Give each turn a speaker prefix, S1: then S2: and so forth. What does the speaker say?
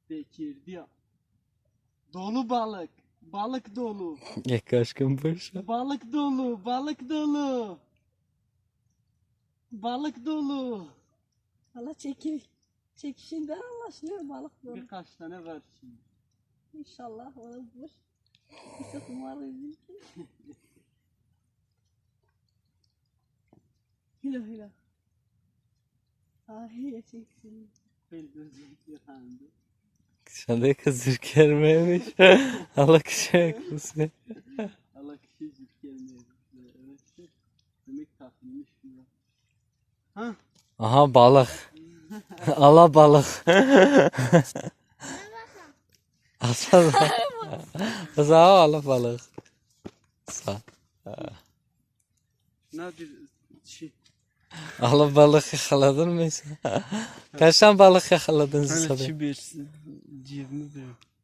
S1: Bekirdi. Dolu balık. Balık dolu.
S2: Yak aşkım başa.
S1: Balık dolu. Balık dolu. Balık dolu.
S3: Valla çekişinden anlaşılıyor balık dolu.
S1: Birkaç tane var şimdi.
S3: İnşallah olabilir. Çok umarım. Hilo hilo. Ay çeksin.
S1: Bir böcek yıkandı.
S2: Sen de kızır gelmemiş. Allah kişiye kızır.
S1: Allah kişi cip gelmiyor. Evet. Demek takılmış ya. Ha?
S2: Aha balık. Ala balık. Asla. Sağ ala balık. Sağ.
S1: Ne bir şey.
S2: Ala balık yakaladın mı sen? Kaçtan balık yakaladın
S1: Hani
S2: sen?
S1: çi bir civmi bir.